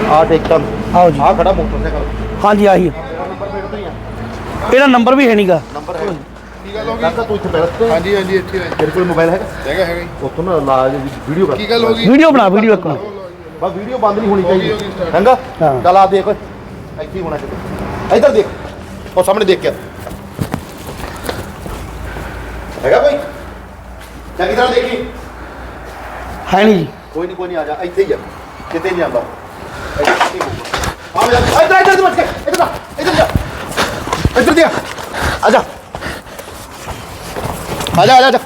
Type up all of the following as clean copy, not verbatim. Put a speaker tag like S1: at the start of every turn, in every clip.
S1: ਆ ਟੇਕਟਾਂ
S2: ਆਓ ਜੀ
S1: ਆ ਖੜਾ ਮੋਟਰਸਾਈਕਲ
S2: ਹਾਂਜੀ ਆਹੀ ਇਹਦਾ ਨੰਬਰ ਵੀ ਹੈ ਨਹੀਂਗਾ
S1: ਨੰਬਰ ਹੈ ਕੀ ਗੱਲ ਹੋ ਗਈ ਤੂੰ ਇੱਥੇ ਬੈਠ
S3: ਹਾਂਜੀ ਹਾਂਜੀ ਇੱਥੇ
S1: ਤੇਰੇ ਕੋਲ ਮੋਬਾਈਲ ਹੈਗਾ
S3: ਹੈਗਾ ਜੀ
S1: ਉੱਥੋਂ ਨਾ ਲਾ ਵੀਡੀਓ ਕਰ
S3: ਕੀ ਗੱਲ ਹੋ ਗਈ
S2: ਵੀਡੀਓ ਬਣਾ ਵੀਡੀਓ ਇੱਕ
S1: ਬਸ ਵੀਡੀਓ ਬੰਦ ਨਹੀਂ ਹੋਣੀ ਚਾਹੀਦੀ ਹੈਗਾ
S2: ਹਾਂ।
S1: ਚੱਲ ਆ ਦੇਖ ਇੱਥੇ ਹੀ ਹੋਣਾ ਚਾਹੀਦਾ ਇੱਧਰ ਦੇਖ ਉਹ ਸਾਹਮਣੇ ਦੇਖ ਕੇ ਹੈਗਾ ਕੋਈ ਚੰਗੀ ਤਰ੍ਹਾਂ ਦੇਖੀ
S2: ਹੈ ਨਹੀਂ ਜੀ
S1: ਕੋਈ ਨਹੀਂ ਆ ਜਾ ਇੱਥੇ ਹੀ ਆ ਕਿਤੇ ਨਹੀਂ ਆਉਂਦਾ ਆ ਜਾ ਇੱਧਰ ਬੱਚ ਕੇ ਇੱਧਰ ਜਾ ਇੱਧਰ ਦੇ ਆ ਜਾ ਆ ਜਾ ਇੱਧਰ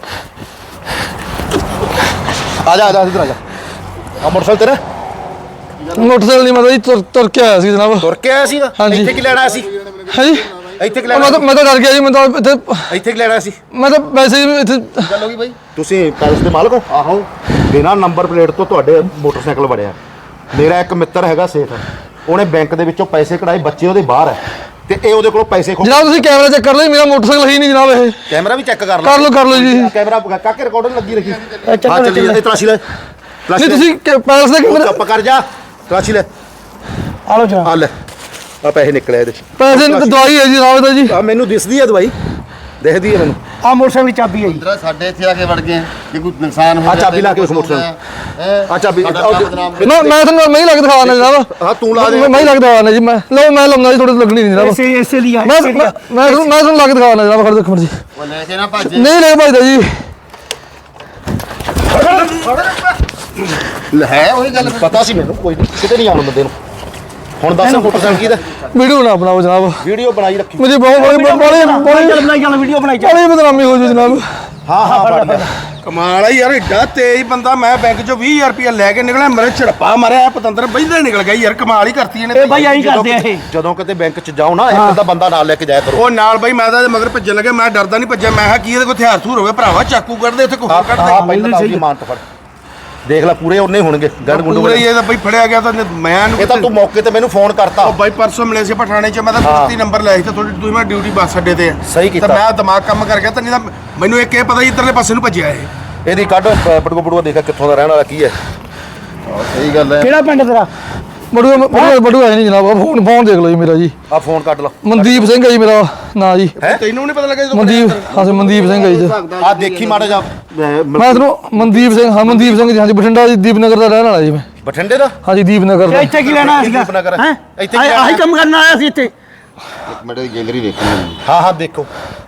S1: ਆ ਜਾ ਆ ਮੋਟਰਸਾਈਕਲ ਤੇਰਾ
S4: ਮੋਟਰਸਾਈਕਲ ਨਹੀਂ ਮਤਲਬ ਜੀ ਤੁਰ ਕੇ ਆਇਆ ਸੀ ਜਨਾਬ
S1: ਤੁਰ ਕੇ ਆਇਆ ਸੀਗਾ
S4: ਹਾਂਜੀ।
S1: ਇੱਥੇ ਕੀ ਲੈਣਾ ਆਇਆ ਸੀ
S4: ਹੈ ਜੀ
S1: ਇੱਥੇ ਕੀ ਲੈਣਾ
S4: ਮੈਂ ਤਾਂ ਡਰ ਗਿਆ ਜੀ ਮੈਂ ਤਾਂ
S1: ਇੱਥੇ ਕੀ ਲੈਣਾ ਸੀ
S4: ਮੈਂ ਤਾਂ ਵੈਸੇ ਹੀ ਇੱਥੇ
S1: ਗੱਲ ਹੋ ਗਈ ਬਾਈ ਤੁਸੀਂ ਪੈਲਸ ਦੇ ਮਾਲਕ ਹੋ ਆਹੋ ਬਿਨਾਂ ਨੰਬਰ ਪਲੇਟ ਤੋਂ ਤੁਹਾਡੇ ਮੋਟਰਸਾਈਕਲ ਵੜਿਆ ਮੇਰਾ ਇੱਕ ਮਿੱਤਰ ਹੈਗਾ ਸੇਠ ਉਹਨੇ ਬੈਂਕ ਦੇ ਵਿੱਚੋਂ ਪੈਸੇ ਕਢਾਏ ਬੱਚੇ ਉਹਦੇ ਬਾਹਰ ਹੈ ਤੇ ਇਹ ਉਹਦੇ ਕੋਲੋਂ ਪੈਸੇ ਖੋ
S4: ਜਨਾਬ ਤੁਸੀਂ ਕੈਮਰਾ ਚੈੱਕ ਕਰ ਲਓ ਮੇਰਾ ਮੋਟਰਸਾਈਕਲ ਹੀ ਨਹੀਂ ਜਨਾਬ ਇਹ
S1: ਕੈਮਰਾ ਵੀ ਚੈੱਕ ਕਰ
S4: ਕਰ ਲਓ ਜੀ
S1: ਕੈਮਰਾ ਕਾਕੇ ਰਿਕਾਰਡਰ ਲੱਗੀ ਰੱਖੀ
S2: ਚੱਲ
S1: ਹਾਂ ਚੱਲੀ ਇਹ ਤਲਾਸ਼ੀ ਲੈ
S4: ਨਹੀਂ ਤੁਸੀਂ ਪੈਲਸ ਦੇ ਕੈਮਰਾ
S1: ਚੁੱਪ ਕਰ ਜਾ ਤਲਾਸ਼ੀ ਲੈ
S2: ਆ ਲਓ ਜਨਾਬ
S1: ਆ ਲੈ ਆ ਪੈਸੇ ਨਿਕਲੇ ਇਹਦੇ
S4: ਪੈਸੇ ਦਵਾਈ ਹੈ ਜੀ ਜਨਾਬ ਇਹਦਾ ਜੀ
S1: ਆ ਮੈਨੂੰ ਦਿਸਦੀ ਹੈ ਦਵਾਈ ਦਿਖਦੀ ਹੈ ਮੈਨੂੰ
S2: ਆ ਮੋਟਰਸਾਈਕਲ ਦੀ ਚਾਬੀ ਹੈ ਜੀ
S3: ਇਧਰ ਸਾਡੇ ਇੱਥੇ ਆ ਕੇ ਵੜ ਗਏ ਜੇ ਕੋਈ ਨੁਕਸਾਨ ਹੋ
S1: ਆ ਚਾਬੀ ਲਾ ਕੇ ਉਸ ਮੋਟਰਸਾਈਕਲ ਆ ਚਾਬੀ
S4: ਮੈਂ ਤੁਹਾਨੂੰ ਮੈਂ ਹੀ ਲੱਗ ਦਿਖਾਉਣਾ ਜਨਾਬ
S1: ਹਾਂ ਤੂੰ ਲਾ ਦੇ
S4: ਮੈਂ ਹੀ ਲੱਗ ਦਿਖਾਉਣਾ ਜੀ ਮੈਂ ਲਾਉਂਦਾ ਜੀ ਥੋੜੀ ਲੱਗਣੀ ਨਹੀਂ ਜਨਾਬ
S2: ਇਸੇ ਲਈ ਆ
S4: ਮੈਂ ਤੁਹਾਨੂੰ ਲੱਗ ਦਿਖਾਉਣਾ ਜਨਾਬ ਖੜ ਦੇਖੋ ਜੀ
S3: ਉਹ ਲੈ ਕੇ ਨਾ ਭੱਜ
S4: ਨਹੀਂ ਲੈ ਭਾਈਦਾ ਜੀ
S1: ਹੈ ਉਹੀ ਗੱਲ ਪਤਾ ਸੀ ਮੈਨੂੰ ਕੋਈ ਨਹੀਂ ਕਿਤੇ ਨਹੀਂ ਆਉਣ ਬੰਦੇ ਨੂੰ ਹੁਣ ਦੱਸ ਮੋਟਰਸਾਈਕਲ ਕਿਹਦਾ
S4: ਵੀਡੀਓ ਨਾ ਬਣਾਓ ਜਨਾਬ
S1: ਵੀਡੀਓ ਬਣਾਈ ਰੱਖੀ
S4: ਮੁਝੇ ਬਹੁਤ
S2: ਚੱਲ ਬਣਾਈ ਚੱਲ ਵੀਡੀਓ ਬਣਾਈ ਚੱਲ
S4: ਬੜੀ ਬਦਨਾਮੀ ਹੋ ਜੂ ਜਨਾਬ
S1: ਹਾਂ ਫੜ ਗਿਆ
S5: ਕਮਾਲ ਆ ਯਾਰ ਏਡਾ ਤੇਜ਼ ਬੰਦਾ ਮੈਂ ਬੈਂਕ ਚੋਂ 20000 ਰੁਪਇਆ ਲੈ ਕੇ ਨਿਕਲਿਆ ਮੇਰੇ ਝੜਪਾ ਮਾਰਿਆ ਪਤੰਦਰ ਬੈਂਦਾ ਨਿਕਲ ਗਿਆ ਯਾਰ ਕਮਾਲ ਹੀ ਕਰਤੀ ਇਹਨੇ
S2: ਇਹ ਬਾਈ ਆਈ ਕਰਦੇ ਆ ਇਹ
S1: ਜਦੋਂ ਕਿਤੇ ਬੈਂਕ 'ਚ ਜਾਓ ਨਾ ਇੱਕ ਤਾਂ ਬੰਦਾ ਨਾਲ ਲੈ ਕੇ ਜਾਇਆ ਕਰੋ
S5: ਉਹ ਨਾਲ ਬਈ ਮੈਂ ਤਾਂ ਇਹਦੇ ਮਗਰ ਭੱਜਣ ਲੱਗਾ ਮੈਂ ਡਰਦਾ ਨਹੀਂ ਭੱਜਿਆ ਮੈਂ ਕਿਹਾ ਕੀ ਇਹਦੇ ਕੋਲ ਹਥਿਆਰ ਥੂਰ ਹੋਵੇ ਭਰਾਵਾ ਚਾਕੂ ਕੱਢਦੇ ਇੱਥੇ ਕੋਈ ਹੋਰ ਕੱਢ
S1: ਹਾਂ ਪਹਿਲਾਂ ਤਾਂ ਉਹਦੀ ਮਾਨ ਤੋਂ ਫੜ ਦੇਖ ਲੈ ਪੂਰੇ ਉਹਨੇ ਹੋਣਗੇ ਗੜ ਗੁੰਡ
S5: ਪੂਰੇ ਹੀ ਇਹਦਾ ਬਈ ਫੜਿਆ ਗਿਆ ਤਾਂ ਮੈਂ
S1: ਇਹ ਤਾਂ ਤੂੰ ਮੌਕੇ ਤੇ ਮੈਨੂੰ ਫੋਨ ਕਰਤਾ
S5: ਉਹ ਬਾਈ ਪਰਸੋਂ ਮਿਲੇ ਸੀ ਪਠਾਣੇ ਚ ਮੈਂ ਤਾਂ 30 ਨੰਬਰ ਲਿਆ ਸੀ ਤਾਂ ਥੋੜੀ ਤੁਸੀਂ ਮੈਂ ਡਿਊਟੀ ਬੱਸ ਅੱਡੇ ਤੇ ਆ
S1: ਸਹੀ ਕੀਤਾ।
S5: ਤਾਂ ਮੈਂ ਦਿਮਾਗ ਕੰਮ ਕਰ ਗਿਆ ਤਾਂ ਨਹੀਂ ਤਾਂ ਮੈਨੂੰ ਇੱਕ ਇਹ ਪਤਾ ਹੀ ਇੱਧਰਲੇ ਪਾਸੇ ਨੂੰ ਭੱਜਿਆ ਇਹ
S1: ਇਹਦੀ ਕੱਢ ਬਟੂਆ ਦੇਖਾ ਕਿੱਥੋਂ ਦਾ ਰਹਿਣ ਵਾਲਾ ਕੀ ਹੈ
S3: ਸਹੀ ਗੱਲ ਹੈ
S2: ਕਿਹੜਾ ਪਿੰਡ ਤੇਰਾ
S4: ਬੜੂ ਹੈ ਨਹੀਂ ਜਨਾਬ ਫੋਨ ਦੇਖ ਲਓ ਜੀ ਮੇਰਾ ਜੀ
S1: ਆ ਫੋਨ ਕੱਢ ਲਾ
S4: ਮਨਦੀਪ ਸਿੰਘ ਹੈ ਜੀ ਮੇਰਾ ਨਾਂ ਜੀ
S5: ਤੈਨੂੰ ਨਹੀਂ ਪਤਾ ਲੱਗਾ ਜਦੋਂ
S4: ਮਨਦੀਪ ਹਾਂ ਮਨਦੀਪ ਸਿੰਘ ਹੈ ਜੀ
S1: ਆ ਦੇਖੀ ਮਾੜਾ ਜਾ
S4: ਮੈਂ ਤੁਹਾਨੂੰ ਮਨਦੀਪ ਸਿੰਘ ਜੀ ਹਾਂਜੀ ਬਠਿੰਡਾ ਜੀ ਦੀਪਨਗਰ ਦਾ ਰਹਿਣ ਵਾਲਾ ਜੀ ਮੈਂ
S1: ਬਠਿੰਡੇ ਦਾ
S4: ਹਾਂਜੀ ਦੀਪਨਗਰ ਦਾ
S2: ਇੱਥੇ ਕੀ ਲੈਣਾ ਸੀਗਾ
S1: ਦੀਪਨਗਰ।
S2: ਹੈ
S1: ਇੱਥੇ ਕੀ
S2: ਆਹੀ ਕੰਮ ਕਰਨ ਆਇਆ ਸੀ ਇੱਥੇ
S3: ਇੱਕ ਮਿੰਟ ਦੀ ਗੈਲਰੀ ਦੇਖਣੀ
S1: ਹਾਂ ਦੇਖੋ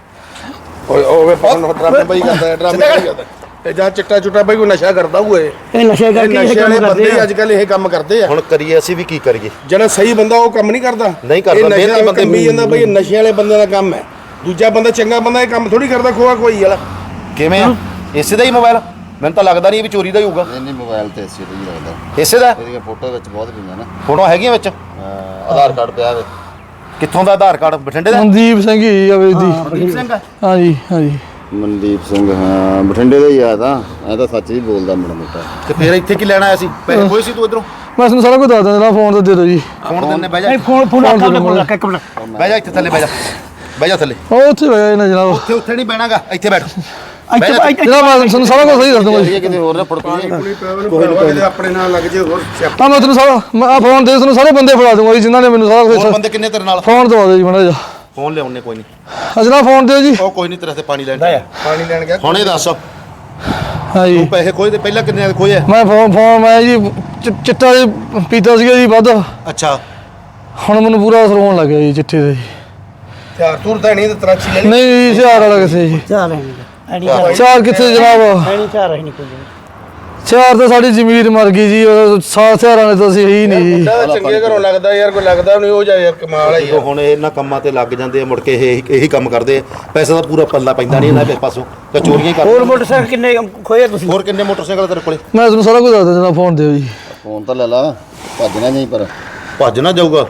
S5: ਓਏ ਪਾਉਣ ਡਰਾਮੇ ਬਈ ਕਰਦਾ ਡਰਾਮੇ ਕਰਦਾ ਤੇ ਜਾਂ ਚਿੱਟਾ ਚੁੱਟਾ ਬਈ ਕੋਈ ਨਸ਼ਾ ਕਰਦਾ ਹੋਏ
S2: ਇਹ ਨਸ਼ੇ ਕਰਕੇ ਇਹ
S5: ਨਸ਼ੇ
S2: ਕੰਮ
S5: ਵਾਲੇ
S2: ਕਰਦੇ
S5: ਬੰਦੇ
S2: ਆ
S5: ਅੱਜ ਕੱਲ ਇਹ ਕੰਮ ਕਰਦੇ ਆ
S1: ਹੁਣ ਕਰੀਏ ਅਸੀਂ ਵੀ ਕੀ ਕਰੀਏ
S5: ਜਿਹੜਾ ਸਹੀ ਬੰਦਾ ਉਹ ਕੰਮ ਨਹੀਂ ਕਰਦਾ
S1: ਨਹੀਂ ਕਰਦਾ,
S5: ਇਹ ਨਸ਼ੇ
S1: ਮਿਹਨਤੀ
S5: ਵਾਲੇ
S1: ਬੰਦੇ
S5: ਕੰਮੀ ਜਾਂਦਾ ਬਈ ਇਹ ਨਸ਼ੇ ਵਾਲੇ ਬੰਦੇ ਦਾ ਕੰਮ ਹੈ ਦੂਜਾ ਬੰਦਾ ਚੰਗਾ ਬੰਦਾ ਇਹ ਕੰਮ ਥੋੜੀ ਕਰਦਾ ਖੋਆ ਕੋਈ ਵਾਲਾ
S1: ਕਿਵੇਂ ਆ ਇਸੇ ਦਾ ਹੀ ਮੋਬਾਈਲ ਮੈਨੂੰ ਤਾਂ ਲੱਗਦਾ ਨਹੀਂ ਵੀ ਚੋਰੀ ਦਾ ਹੀ ਹੋਊਗਾ
S3: ਨਹੀਂ ਮੋਬਾਈਲ ਤੇ ਇਸੇ ਹੀ ਲੱਗਦਾ
S1: ਇਸੇ ਦਾ
S3: ਇਹਦੀਆਂ ਫੋਟੋ ਵਿੱਚ ਬਹੁਤ ਪਈਆਂ ਨਾ
S1: ਫੋਟੋ ਹੈਗੀਆਂ ਵਿੱਚ
S3: ਆਧਾਰ ਕਾਰਡ ਪਿਆ ਵੇ
S1: ਕਿੱਥੋਂ ਦਾ ਆਧਾਰ ਕਾਰਡ ਬਠਿੰਡੇ ਦਾ
S4: ਮਨਦੀਪ ਸਿੰਘ ਜੀ ਆਵੇ ਦੀ
S1: ਸਿੰਘ
S4: ਹਾਂਜੀ ਹਾਂਜੀ
S3: ਮਨਦੀਪ ਸਿੰਘ ਹਾਂ ਬਠਿੰਡੇ ਦਾ ਹੀ ਆ ਤਾਂ ਇਹ ਤਾਂ ਸੱਚ ਹੀ ਬੋਲਦਾ ਮਾੜਾ ਮੋਟਾ
S1: ਤੇ ਫਿਰ ਇੱਥੇ ਕੀ ਲੈਣ ਆਇਆ ਸੀ ਪੈਸੇ ਕੋਈ ਸੀ ਤੂੰ ਇਧਰੋਂ
S4: ਮੈਂ ਤੁਹਾਨੂੰ ਸਾਰਾ ਕੁਝ ਦੱਸ ਦਿੰਦਾ ਫੋਨ ਤੇ ਦੇ ਦਿਓ ਜੀ
S1: ਫੋਨ ਦਿੰਨੇ ਬਹਿ ਜਾ
S2: ਨਹੀਂ ਫੋਨ ਰੱਖ ਇੱਕ ਮਿੰਟ
S1: ਬਹਿ ਜਾ ਇੱਥੇ ਥੱਲੇ ਬਹਿ ਜਾ ਥੱਲੇ
S4: ਉਹ ਉੱਥੇ ਹੋਇਆ ਨਾ ਜਨਾਬ
S1: ਉੱਥੇ ਨਹੀਂ ਬਹਿਣਾਗਾ ਇੱਥੇ ਬੈਠ
S4: ਜਨਾਬ ਮੈਂ ਤੁਹਾਨੂੰ ਸਾਰਾ ਕੁਝ ਸਹੀ ਦੱਸ ਦੂੰਗਾ ਜੀ
S3: ਇਹ ਕਿਤੇ ਹੋਰ ਨਾ ਫੜਕੂਗੀ
S5: ਕੋਈ ਆਪਣੇ ਨਾਲ ਲੱਗ ਜੇ ਹੋਰ
S4: ਤਾਂ ਮੈਂ ਤੁਹਾਨੂੰ ਸਾਰਾ ਮੈਂ ਫੋਨ ਦੇ ਤੁਹਾਨੂੰ ਸਾਰੇ ਬੰਦੇ ਫੜਾ ਦੂੰਗਾ ਜੀ ਜਿਨ੍ਹਾਂ ਨੇ ਮੈਨੂੰ ਸਾਰਾ
S1: ਹੋਰ
S4: ਕੁਝ
S1: ਬੰਦੇ ਕਿੰਨੇ ਤੇਰੇ ਨਾਲ
S4: ਫੋਨ ਦਵਾ ਦਿਓ ਜੀ ਮਾੜਾ ਜਿਹਾ
S1: ਫੋਨ ਲਿਆਉਣੇ ਕੋਈ ਨਹੀਂ
S4: ਅਜਨਾ ਫੋਨ ਦਿਓ ਜੀ
S1: ਉਹ ਕੋਈ ਨਹੀਂ ਤੇਰੇ ਤੇ ਪਾਣੀ ਲੈਣ
S5: ਪਾਣੀ ਲੈਣ ਗਿਆ
S1: ਹੁਣ ਇਹ ਦੱਸ
S4: ਹਾਂਜੀ
S1: ਤੂੰ ਪੈਸੇ ਖੋਏ ਤੇ ਪਹਿਲਾਂ ਕਿੰਨੇ ਖੋਏ
S4: ਮੈਂ ਫੋਨ ਮੈਂ ਜੀ ਚਿੱਟਾ ਜੀ ਪੀਤਾ ਸੀਗਾ ਜੀ ਵੱਧ
S1: ਅੱਛਾ
S4: ਹੁਣ ਮੈਨੂੰ ਪੂਰਾ ਅਸਰ ਹੋਣ ਲੱਗ ਗਿਆ ਜੀ ਚਿੱਟੇ ਦੇ ਜੀ
S5: ਹਥਿਆਰ ਤੁਰ ਤਾਂ ਨਹੀਂ ਤੇ ਤਰਾਚੀ ਲੈ ਲਈ
S4: ਨਹੀਂ ਜੀ ਹਥਿਆਰ ਵਾਲਾ ਕਿਸੇ ਜੀ
S2: ਚਾਹ ਲੈਣੀ ਐਨੀ ਚਾਹ
S4: ਚਾਰ ਕਿੱਥੇ ਜਨਾਬ
S2: ਐਨੀ ਚਾਹ ਰਹੀ ਨਹੀਂ ਕੋਈ
S4: ਚਾਰ ਤਾਂ ਸਾਡੀ ਜ਼ਮੀਰ ਮਰ ਗਈ ਜੀ ਸਾਥ ਹਥਿਆਰਾਂ ਨੇ ਤਾਂ ਅਸੀਂ ਹੀ ਨਹੀਂ ਜੀ
S5: ਮੁੰਡਾ ਤਾਂ ਚੰਗੇ ਘਰੋਂ ਲੱਗਦਾ ਯਾਰ ਕੋਈ ਲੱਗਦਾ ਨਹੀਂ ਉਹ ਜਾ ਯਾਰ ਕਮਾਲ ਆ
S1: ਜਦੋਂ
S5: ਯਾਰ
S1: ਹੁਣ ਇਹਨਾਂ ਕੰਮਾਂ ਤੇ ਲੱਗ ਜਾਂਦੇ ਆ ਮੁੜ ਕੇ ਇਹੀ ਕੰਮ ਕਰਦੇ ਆ ਪੈਸਾ ਦਾ ਪੂਰਾ ਪੱਲਾ ਪੈਂਦਾ ਨਹੀਂ ਇਹਨਾਂ ਦੇ ਪਾਸੋਂ ਤਾਂ ਚੋਰੀਆਂ ਹੀ
S2: ਹੋਰ
S1: ਕਰਦੇ
S2: ਮੋਟਰਸਾਈਕਲ ਕਿੰਨੇ ਖੋਏ ਤੁਸੀਂ
S1: ਹੋਰ ਕਿੰਨੇ ਮੋਟਰਸਾਈਕਲ ਤੇਰੇ ਕੋਲੇ
S4: ਮੈਂ ਤੁਹਾਨੂੰ ਸਾਰਾ ਕੁਝ ਦੱਸ ਦਿੰਦਾ ਫੋਨ ਦਿਓ ਜੀ
S3: ਫੋਨ ਤਾਂ ਲੈ ਲਾ ਭੱਜਣਾ ਨਹੀਂ ਪਰ
S1: ਭੱਜ ਨਾ ਜਾਊਗਾ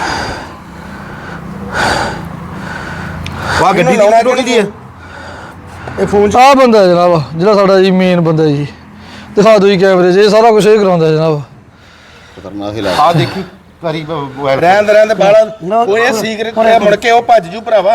S1: ਵਾਹ ਗੱਡੀ ਦੀ ਫੋਟੋ ਕਿਹਦੀ ਹੈ
S5: ਇਹ ਫੋਨ ਚ
S4: ਆਹ ਬੰਦਾ ਹੈ ਜਨਾਬ ਜਿਹੜਾ ਸਾਡਾ ਜੀ ਮੇਨ ਬੰਦਾ ਜੀ ਦਿਖਾ ਦਿਓ ਜੀ ਕੈਮਰੇ 'ਚ ਇਹ ਸਾਰਾ ਕੁਝ ਇਹ ਕਰਾਉਂਦਾ ਜਨਾਬ
S3: ਖਤਰਨਾਕ ਹੀ ਲੱਗ
S1: ਆ ਦੇਖੀ ਕਰੀ ਮੋਬਾਈਲ
S5: ਰਹਿਣ ਦੇ ਬਾਲਾ ਉਹ ਇਹ ਸੀਕ੍ਰੇਟ ਹੈ ਮੁੜ ਕੇ ਉਹ ਭੱਜ ਜੂ ਭਰਾਵਾ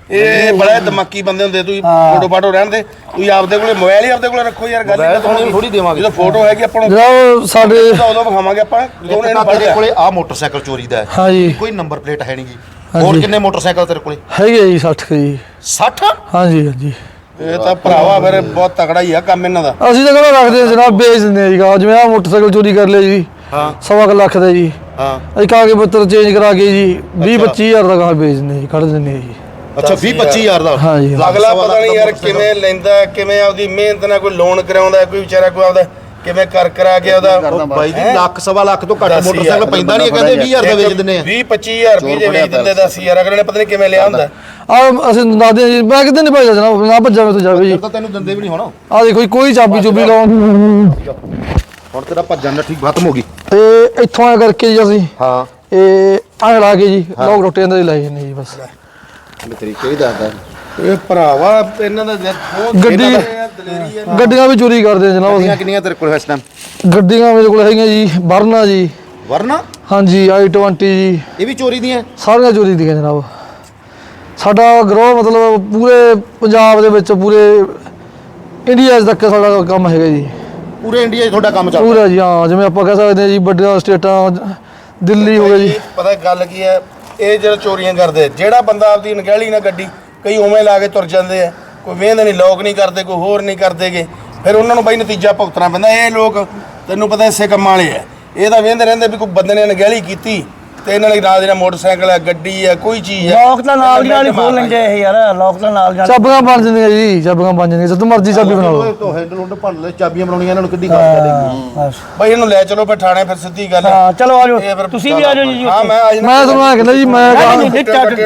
S5: ਇਹ ਬੜਾ ਦਿਮਾਗੀ ਬੰਦੇ ਹੁੰਦੇ, ਤੁਸੀਂ ਫੋਟੋ ਫਾਟੋ ਰਹਿਣ ਦੇ, ਤੁਸੀਂ ਆਪਦੇ ਕੋਲੇ ਮੋਬਾਈਲ ਹੀ ਆਪਦੇ ਕੋਲੇ ਰੱਖੋ ਯਾਰ। ਗੱਲ
S1: ਥੋੜੀ ਦੇਵਾਂਗੇ
S5: ਜਦੋਂ ਫੋਟੋ ਹੈਗੀ ਆਪਾਂ ਨੂੰ
S4: ਜਨਾਬ ਸਾਡੇ
S5: ਉਦੋਂ ਵਿਖਾਵਾਂਗੇ ਆਪਾਂ ਜਦੋਂ
S1: ਇੱਕ
S5: ਇਹਨੂੰ
S1: ਤਾਂ ਤੇਰੇ
S5: ਫੜਿਆ।
S1: ਕੋਲੇ ਆ ਮੋਟਰਸਾਈਕਲ ਚੋਰੀ ਦਾ ਹੈ,
S4: ਹਾਂਜੀ
S1: ਕੋਈ ਨੰਬਰ ਪਲੇਟ ਹੈ ਨਹੀਂ ਜੀ। ਹੋਰ ਕਿੰਨੇ ਮੋਟਰਸਾਈਕਲ ਤੇਰੇ ਕੋਲੇ?
S4: ਹੈਗੇ ਜੀ 60 ਕੁ ਜੀ
S1: 60?
S4: ਹਾਂਜੀ ਹਾਂਜੀ।
S5: ਇਹ ਤਾਂ ਭਰਾਵਾ ਫਿਰ ਬਹੁਤ ਤਕੜਾ ਹੀ ਆ ਕੰਮ ਇਹਨਾਂ ਦਾ।
S4: ਅਸੀਂ ਤਾਂ ਕਿਹੜਾ ਰੱਖਦੇ ਹਾਂ ਜਨਾਬ, ਵੇਚ ਦਿੰਦੇ ਆ ਜੀ ਗਾਹ। ਜਿਵੇਂ ਆ ਮੋਟਰਸਾਈਕਲ ਚੋਰੀ ਕਰ ਲਿਆ ਜੀ,
S1: ਹਾਂ
S4: 1.25 ਲੱਖ ਦਾ ਜੀ,
S1: ਹਾਂ
S4: ਅਸੀਂ ਕਾਗਜ਼ ਪੱਤਰ ਚੇਂਜ ਕਰਾ ਕੇ ਜੀ 20-25 ਹਜ਼ਾਰ ਦਾ ਗਾਹ ਵੇਚ ਦਿੰਦੇ ਜੀ, ਕੱਢ ਦਿੰਦੇ ਆ ਜੀ।
S1: ਅੱਛਾ 20-25 ਹਜ਼ਾਰ ਦਾ?
S4: ਹਾਂ ਜੀ।
S5: ਅਗਲਾ ਪਤਾ ਨਹੀਂ ਯਾਰ ਕਿਵੇਂ ਲੈਂਦਾ, ਕਿਵੇਂ ਆਪਦੀ ਮਿਹਨਤ ਨਾਲ ਕੋਈ ਲੋਨ ਕਰਾਉਂਦਾ, ਕੋਈ ਵਿਚਾਰਾ ਕੋਈ ਆਪਦਾ ਕਿਵੇਂ ਕਰਾ ਕੇ ਉਹਦਾ।
S1: ਉਹ ਬਾਈ ਜੀ ਲੱਖ ਸਵਾ ਲੱਖ ਤੋਂ ਘੱਟ ਮੋਟਰਸਾਈਕਲ ਪੈਂਦਾ ਨਹੀਂ, ਕਹਿੰਦੇ 20,000 ਦਾ ਵੇਚ ਦਿੰਦੇ ਆ।
S5: 20-25 ਹਜ਼ਾਰ ਰੁਪਏ ਜੇ ਵੇਚ ਦਿੰਦੇ 10,000 ਅਗਲੇ ਨੇ ਪਤਾ ਨਹੀਂ ਕਿਵੇਂ ਲਿਆ ਹੁੰਦਾ।
S4: ਆ ਅਸੀਂ ਦੱਸਦੇ ਹਾਂ ਜੀ, ਮੈਂ ਕਿਤੇ ਨਹੀਂ ਭੇਜਦਾ ਜਨਾਬ, ਨਾ ਭੱਜਾ ਮੇਰੇ ਤੋਂ ਜਾਵੇ ਜੀ।
S1: ਤਾਂ ਤੈਨੂੰ ਦਿੰਦੇ ਵੀ ਨਹੀਂ ਹੋਣਾ।
S4: ਆ ਦੇਖੋ ਜੀ, ਕੋਈ ਚਾਬੀ ਚੁਬੀ ਲਾਉਣ
S1: ਹੁਣ ਤੇਰਾ ਭੱਜਣ ਦਾ ਠੀਕ ਖਤਮ ਹੋ ਗਈ।
S4: ਤੇ ਇੱਥੋਂ ਆ ਕਰਕੇ ਜੀ ਅਸੀਂ
S1: ਹਾਂ
S4: ਇਹ ਆ ਲਾ ਕੇ ਜੀ ਲੋਕ ਰੋਟੇ ਅੰਦਰ ਹੀ ਲਾਏ ਜਾਂਦੇ ਜੀ ਬਸ।
S3: ਤਰੀਕੇ ਹੀ ਦੱਸਦਾ।
S5: ਇਹ ਭਰਾਵਾ ਇਹਨਾਂ ਦਾ ਬਹੁਤ
S4: ਗੱਡੀ
S5: ਦਲੇਰੀ ਹੈ।
S4: ਗੱਡੀਆਂ ਵੀ ਚੋਰੀ ਕਰਦੇ ਆ ਜਨਾਬ ਅਸੀਂ।
S1: ਕਿੰਨੀਆਂ ਤੇਰੇ ਕੋਲ ਇਸ ਟਾਈਮ?
S4: ਗੱਡੀਆਂ ਮੇਰੇ ਕੋਲ ਹੈਗੀਆਂ ਜੀ ਵਰਨਾ ਜੀ,
S1: ਵਰਨਾ
S4: ਹਾਂਜੀ i20 ਜੀ,
S1: ਇਹ ਵੀ ਚੋਰੀ ਦੀਆਂ?
S4: ਸਾਰੀਆਂ ਚੋਰੀ ਦੀਆਂ ਜਨਾਬ। ਸਾਡਾ ਗਰੋਹ ਮਤਲਬ ਪੂਰੇ ਪੰਜਾਬ ਦੇ ਵਿੱਚ, ਪੂਰੇ ਇੰਡੀਆ ਤੱਕ ਸਾਡਾ ਕੰਮ ਹੈਗਾ ਜੀ।
S1: ਪੂਰੇ ਇੰਡੀਆ 'ਚ ਤੁਹਾਡਾ ਕੰਮ ਚੱਲਦਾ?
S4: ਪੂਰਾ ਜੀ ਹਾਂ, ਜਿਵੇਂ ਆਪਾਂ ਕਹਿ ਸਕਦੇ ਹਾਂ ਜੀ ਵੱਡੀਆਂ ਸਟੇਟਾਂ, ਦਿੱਲੀ ਹੋ ਗਿਆ ਜੀ।
S5: ਪਤਾ ਗੱਲ ਕੀ ਹੈ, ਇਹ ਜਿਹੜਾ ਚੋਰੀਆਂ ਕਰਦੇ, ਜਿਹੜਾ ਬੰਦਾ ਆਪਦੀ ਅਣਗਹਿਲੀ ਨਾਲ ਗੱਡੀ ਕਈ ਉਵੇਂ ਲਾ ਕੇ ਤੁਰ ਜਾਂਦੇ ਆ, ਕੋਈ ਵੇਂਦੇ ਨਹੀਂ, ਲੋਕ ਨਹੀਂ ਕਰਦੇ, ਕੋਈ ਹੋਰ ਨਹੀਂ ਕਰਦੇਗੇ, ਫਿਰ ਉਹਨਾਂ ਨੂੰ ਬਈ ਨਤੀਜਾ ਭੁਗਤਣਾ ਪੈਂਦਾ। ਇਹ ਲੋਕ ਤੈਨੂੰ ਪਤਾ ਇਸੇ ਕੰਮਾਂ ਵਾਲੇ ਆ, ਇਹ ਤਾਂ ਵੇਂਦੇ ਰਹਿੰਦੇ ਵੀ ਕੋਈ ਬੰਦੇ ਨੇ ਅਣਗਹਿਲੀ ਕੀਤੀ ਤੇ ਇਹਨਾਂ ਲਈ ਨਾਲ ਜਿਹੜਾ ਮੋਟਰਸਾਈਕਲ ਹੈ, ਗੱਡੀ ਹੈ, ਕੋਈ ਚੀਜ਼ ਹੈ,
S2: ਲੋਕ ਤਾਂ ਨਾਲ ਦੀ ਨਾਲ ਹੀ ਖੋਲ ਲੈਂਦੇ ਇਹ ਯਾਰ, ਲੋਕ ਤਾਂ ਨਾਲ ਜਾਣ।
S4: ਚਾਬੀਆਂ ਬਣ ਜਾਂਦੀਆਂ ਜੀ, ਚਾਬੀਆਂ ਬਣ ਜਾਂਦੀਆਂ, ਜਦੋਂ ਮਰਜ਼ੀ ਚਾਬੀ ਬਣਾ ਲਓ।
S1: ਤੋਂ ਹੈਂਡਲ ਹੁੰਡ ਭੰਨ ਲੈ, ਚਾਬੀਆਂ ਬਣਾਉਣੀਆਂ ਇਹਨਾਂ ਨੂੰ ਕਿੱਡੀ ਖਾਸ ਕਰੇਗੀ।
S2: ਬਸ
S5: ਬਈ ਇਹਨੂੰ ਲੈ ਚਲੋ ਫਿਰ ਥਾਣੇ, ਫਿਰ ਸਿੱਧੀ ਗੱਲ ਹੈ।
S2: ਹਾਂ ਚਲੋ ਆ
S5: ਇਹ
S2: ਜਾਓ,
S5: ਫਿਰ
S2: ਤੁਸੀਂ ਵੀ ਆ ਜਾਓ ਜੀ।
S5: ਹਾਂ ਮੈਂ ਆ ਜਾਣਾ।
S4: ਮੈਂ ਤੁਹਾਨੂੰ ਕਹਿੰਦਾ ਜੀ, ਮੈਂ
S2: ਨਹੀਂ,
S5: ਹੁਣ ਐਵੇਂ
S2: ਜਨਾਬ,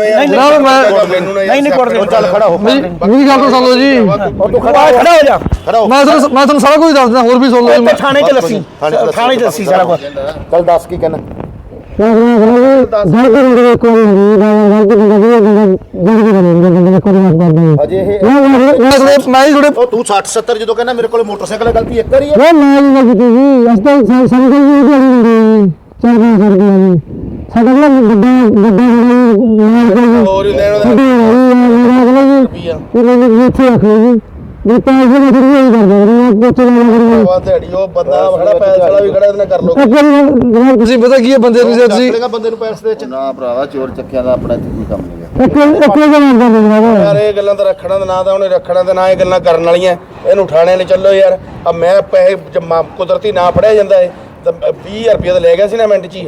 S2: ਨਹੀਂ ਕੁੱਟਦੇ।
S1: ਚੱਲ ਖੜਾ ਹੋ।
S4: ਮੇਰੀ ਗੱਲ ਤਾਂ ਸੁਣ ਲਓ ਜੀ,
S2: ਤੂੰ ਖੜਾ ਹੋ ਜਾ।
S1: ਖੜਾ ਹੋ।
S4: ਮੈਂ ਤੁਹਾਨੂੰ ਸਾਰਾ ਕੁਝ ਦੱਸ ਦਿੰਦਾ, ਹੋਰ ਵੀ ਸੁਣ ਲਓ ਜੀ।
S2: ਤੇ ਥਾਣੇ ਚ ਲੱਸੀ, ਥਾਣੇ ਚ ਲੱਸੀ ਸਾਰਾ ਕੁਝ।
S1: ਚੱਲ ਦੱਸ ਕੀ ਕਹਿਣਾ। ਅਜੇ ਇਹ
S4: ਮੈਂ ਹੀ ਥੋੜੇ
S1: ਉਹ ਤੂੰ 60 70 ਜਦੋਂ ਕਹਿੰਦਾ ਮੇਰੇ ਕੋਲ ਮੋਟਰਸਾਈਕਲ ਹੈ, ਗਲਤੀ ਇੱਕ ਵਾਰੀ ਹੈ।
S5: ਹੋਰ ਇਹਨਾਂ ਦਾ ਦਿਹਾੜੀ ਉਹ ਬੰਦਾ ਖੜਾ ਪੈਸੇ ਵਾਲਾ ਵੀ ਖੜਾ, ਇਹਦੇ ਨਾਲ ਕਰ ਲੋ।
S4: ਤੁਸੀਂ ਪਤਾ ਕੀ ਹੈ ਬੰਦੇ ਨੂੰ, ਜੇ ਤੁਸੀਂ
S1: ਚੱਕੇਗਾ ਬੰਦੇ ਨੂੰ ਪੈਸੇ ਦੇ ਵਿੱਚ।
S3: ਨਾ ਭਰਾਵਾ ਚੋਰ ਚੱਕਿਆਂ ਦਾ ਆਪਣਾ ਇੱਥੇ ਕੋਈ ਕੰਮ ਨਹੀਂ ਹੈ।
S5: ਯਾਰ ਇਹ ਗੱਲਾਂ ਤਾਂ ਰੱਖਣਾ ਤੇ ਨਾ ਤਾਂ ਉਹਨੇ ਰੱਖਣਾ ਤੇ ਨਾ ਇਹ ਗੱਲਾਂ ਕਰਨ ਵਾਲੀਆਂ। ਇਹਨੂੰ ਠਾਣੇ ਲੈ ਚੱਲੋ ਯਾਰ। ਆ ਮੈਂ ਪੈਸੇ ਕੁਦਰਤੀ ਨਾ ਫੜਿਆ ਜਾਂਦਾ ਏ ਤਾਂ 20,000 ਰੁਪਏ ਤਾਂ ਲੈ ਗਿਆ ਸੀ ਨਾ ਮਿੰਟ ਚ ਹੀ।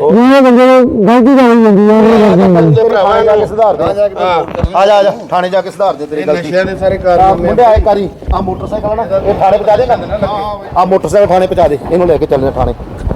S1: ਥਾਣੇ ਜਾ ਕੇ ਸੁਧਾਰ ਦੇ। ਆ ਜਾ ਥਾਣੇ ਜਾ ਕੇ ਸੁਧਾਰ ਦੇ ਤੇਰੀ ਗਲਤੀ।
S5: ਨਸ਼ਿਆਂ ਦੇ ਸਾਰੇ ਕਾਰਨ
S1: ਮੁੰਡੇ ਆਏ ਕਰੀ ਆ ਮੋਟਰਸਾਈਕਲ ਨਾ ਇਹ ਥਾਣੇ ਪਹੁੰਚਾ ਦੇਗਾ। ਆ ਮੋਟਰਸਾਈਕਲ ਥਾਣੇ ਪਹੁੰਚਾ ਦੇ, ਇਹਨੂੰ ਲੈ ਕੇ ਚੱਲਦੇ ਥਾਣੇ।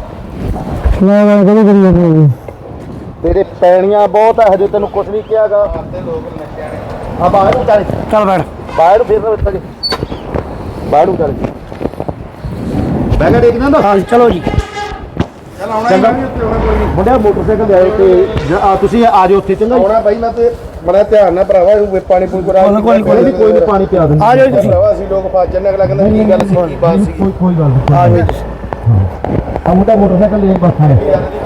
S1: ਤੇਰੇ ਪੈਣੀਆਂ ਬਹੁਤ ਹੈ, ਹਜੇ ਤੈਨੂੰ ਕੁਝ ਨਹੀਂ ਕਿਹਾਗਾ। ਆ ਬਾਹਰ ਨੂੰ ਚੱਲ,
S2: ਚੱਲ ਬੈਠ।
S1: ਬਾਹਰ ਨੂੰ ਫੇਰ ਉੱਠ ਕੇ ਬਾਹਰ ਨੂੰ ਚੱਲ। ਬੈਗਾ ਦੇਖਦਾ ਨਾ।
S2: ਹਾਂ ਚਲੋ ਜੀ।
S5: ਚੱਲ ਆਉਣਾ ਹੀ ਨਹੀਂ ਉੱਤੇ, ਆਉਣਾ ਕੋਈ ਨਹੀਂ।
S1: ਮੁੰਡਿਆ ਮੋਟਰਸਾਈਕਲ ਦੇ ਆਏ ਤੇ ਤੁਸੀਂ ਆ ਜਾਓ ਉੱਥੇ ਚੰਗਾ।
S5: ਆਉਣਾ ਬਾਈ ਮੈਂ ਤੇ ਬੜਾ ਧਿਆਨ ਨਾਲ ਭਰਾਵਾ ਇਹਨੂੰ ਪਾਣੀ ਪੂਣੀ ਕਰਾ
S2: ਕੋਈ
S1: ਕੋਈ ਨਹੀਂ ਪਾਣੀ ਪਿਆ ਦਿੰਦੇ।
S2: ਆ ਜਾਓ ਜੀ ਤੁਸੀਂ।
S5: ਭਰਾਵਾ ਅਸੀਂ ਲੋਕ ਫਸ ਜੰਨੇ, ਅਗਲਾ ਕਹਿੰਦਾ ਕੀ ਗੱਲ ਸੀ, ਕੀ ਬਾਤ ਸੀ।
S1: ਕੋਈ ਗੱਲ ਨਹੀਂ।
S2: ਆ ਜਾਓ ਤੁਸੀਂ।
S1: ਆ ਮੁੰਡਾ ਮੋਟਰਸਾਈਕਲ ਲੈ ਬਸ ਹੈ।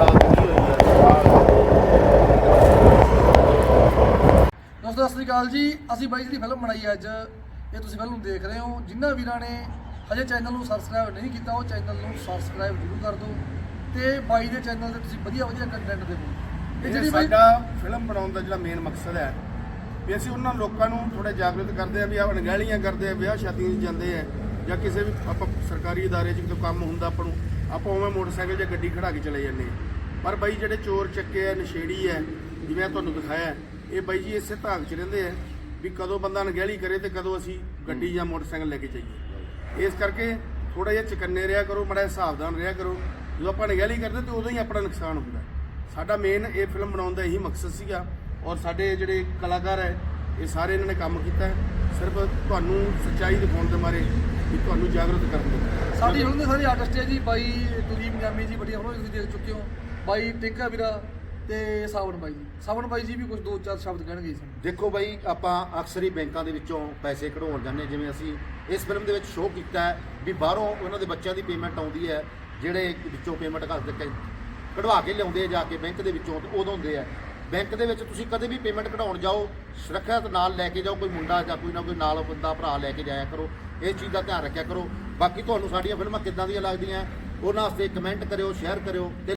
S4: ਦੋਸਤੋ ਸਤਿ ਸ੍ਰੀ ਅਕਾਲ ਜੀ। ਅਸੀਂ ਬਾਈ ਦੀ ਫਿਲਮ ਬਣਾਈ ਅੱਜ, ਇਹ ਤੁਸੀਂ ਫਿਲਮ ਦੇਖ ਰਹੇ ਹੋ। ਜਿਨ੍ਹਾਂ ਵੀਰਾਂ ਨੇ ਹਜੇ ਚੈਨਲ ਨੂੰ ਸਬਸਕ੍ਰਾਈਬ ਨਹੀਂ ਕੀਤਾ, ਉਹ ਚੈਨਲ ਨੂੰ ਸਬਸਕ੍ਰਾਈਬ ਜ਼ਰੂਰ ਕਰ ਦਿਓ ਤੇ ਬਾਈ ਦੇ ਚੈਨਲ ਤੇ ਤੁਸੀਂ ਵਧੀਆ ਕੰਟੈਂਟ ਦੇਖੋ। ਇਹ ਜਿਹੜੀ ਬਾਈ
S5: ਸਾਡਾ ਫਿਲਮ ਬਣਾਉਣ ਦਾ ਜਿਹੜਾ ਮੇਨ ਮਕਸਦ ਹੈ ਵੀ ਅਸੀਂ ਉਹਨਾਂ ਲੋਕਾਂ ਨੂੰ ਥੋੜਾ ਜਾਗਰੂਕ ਕਰਦੇ ਆ ਵੀ ਆਹ ਅਣਗਹਿਲੀਆਂ ਕਰਦੇ ਆ, ਵਿਆਹ ਸ਼ਾਦੀਆਂ 'ਚ ਜਾਂਦੇ ਆ ਜਾਂ ਕਿਸੇ ਵੀ ਆਪਾਂ ਸਰਕਾਰੀ ਅਦਾਰੇ 'ਚ ਕੋਈ ਕੰਮ ਹੁੰਦਾ ਆਪਾਂ ਉਵੇਂ ਮੋਟਰਸਾਈਕਲ ਜਾਂ ਗੱਡੀ ਖੜਾ ਕੇ ਚਲੇ ਜਾਂਦੇ ਆ। ਪਰ ਬਾਈ ਜਿਹੜੇ ਚੋਰ ਚੱਕੇ ਆ, ਨਸ਼ੇੜੀ ਹੈ, ਜਿਵੇਂ ਤੁਹਾਨੂੰ ਦਿਖਾਇਆ, ਇਹ ਬਾਈ ਜੀ ਇਸੇ ਧਾਗ 'ਚ ਰਹਿੰਦੇ ਆ ਵੀ ਕਦੋਂ ਬੰਦਾ ਅਣਗਹਿਲੀ ਕਰੇ ਤੇ ਕਦੋਂ ਅਸੀਂ ਗੱਡੀ ਜਾਂ ਮੋਟਰਸਾਈਕਲ ਲੈ ਕੇ ਜਾਈਏ। ਇਸ ਕਰਕੇ ਥੋੜਾ ਜਿਹਾ ਚਕੰਨੇ ਰਿਹਾ ਕਰੋ, ਬੜਾ ਸਾਵਧਾਨ ਰਿਹਾ ਕਰੋ। ਜਦੋਂ ਆਪਾਂ ਅਣਗਹਿਲੀ ਕਰਦੇ ਤੇ ਉਦੋਂ ਹੀ ਆਪਣਾ ਨੁਕਸਾਨ ਹੁੰਦਾ। ਸਾਡਾ ਮੇਨ ਇਹ ਫਿਲਮ ਬਣਾਉਣ ਦਾ ਇਹੀ ਮਕਸਦ ਸੀਗਾ ਔਰ ਸਾਡੇ ਜਿਹੜੇ ਕਲਾਕਾਰ ਹੈ ਇਹ ਸਾਰੇ ਇਹਨਾਂ ਨੇ ਕੰਮ ਕੀਤਾ ਸਿਰਫ ਤੁਹਾਨੂੰ ਸੱਚਾਈ ਦਿਖਾਉਣ ਦੇ ਮਾਰੇ ਵੀ ਤੁਹਾਨੂੰ ਜਾਗਰੂਕ ਕਰਨ ਦੇ।
S4: ਸਾਡੀ ਫਿਲਮ ਦੇ ਸਾਰੇ ਆਰਟਿਸਟ ਹੈ ਜੀ। ਬਾਈ ਕੁਲਦੀਪ ਗਾਮੀ ਜੀ, ਵੱਡੀਆਂ ਫਿਲਮਾਂ ਤੁਸੀਂ ਦੇਖ ਚੁੱਕੇ ਹੋ। ਬਾਈ ਟਿੰਕਾ ਵੀਰਾ ਤੇ ਸਾਵਣ ਬਾਈ ਜੀ। ਸਾਵਣ ਬਾਈ ਜੀ ਵੀ ਕੁਝ 2-4 ਸ਼ਬਦ ਕਹਿਣਗੇ ਜੀ ਸਾਨੂੰ।
S1: ਦੇਖੋ ਬਾਈ, ਆਪਾਂ ਅਕਸਰ ਹੀ ਬੈਂਕਾਂ ਦੇ ਵਿੱਚੋਂ ਪੈਸੇ ਕਢਾਉਣ ਜਾਂਦੇ, ਜਿਵੇਂ ਅਸੀਂ ਇਸ ਫਿਲਮ ਦੇ ਵਿੱਚ ਸ਼ੋਅ ਕੀਤਾ ਹੈ ਵੀ ਬਾਹਰੋਂ ਉਹਨਾਂ ਦੇ ਬੱਚਿਆਂ ਦੀ ਪੇਮੈਂਟ ਆਉਂਦੀ ਹੈ, ਜਿਹੜੇ ਵਿੱਚੋਂ ਪੇਮੈਂਟ ਕਢਵਾ ਕੇ ਲਿਆਉਂਦੇ ਆ ਜਾ ਕੇ ਬੈਂਕ ਦੇ ਵਿੱਚੋਂ, ਤੇ ਉਦੋਂ ਹੁੰਦੇ ਆ ਬੈਂਕ ਦੇ ਵਿੱਚ ਤੁਸੀਂ ਕਦੇ ਵੀ ਪੇਮੈਂਟ ਕਢਾਉਣ ਜਾਓ ਸੁਰੱਖਿਅਤ ਨਾਲ ਲੈ ਕੇ ਜਾਓ, ਕੋਈ ਮੁੰਡਾ ਜਾਂ ਕੋਈ ਨਾ ਕੋਈ ਨਾਲ ਬੰਦਾ ਭਰਾ ਲੈ ਕੇ ਜਾਇਆ ਕਰੋ। ਇਸ ਚੀਜ਼ ਦਾ ਧਿਆਨ ਰੱਖਿਆ ਕਰੋ। ਬਾਕੀ ਤੁਹਾਨੂੰ ਸਾਡੀਆਂ ਫਿਲਮਾਂ ਕਿੱਦਾਂ ਦੀਆਂ ਲੱਗਦੀਆਂ ਉਹਨਾਂ ਵਾਸਤੇ ਕਮੈਂਟ ਕਰਿਓ, ਸ਼ੇਅਰ ਕਰਿਓ ਤੇ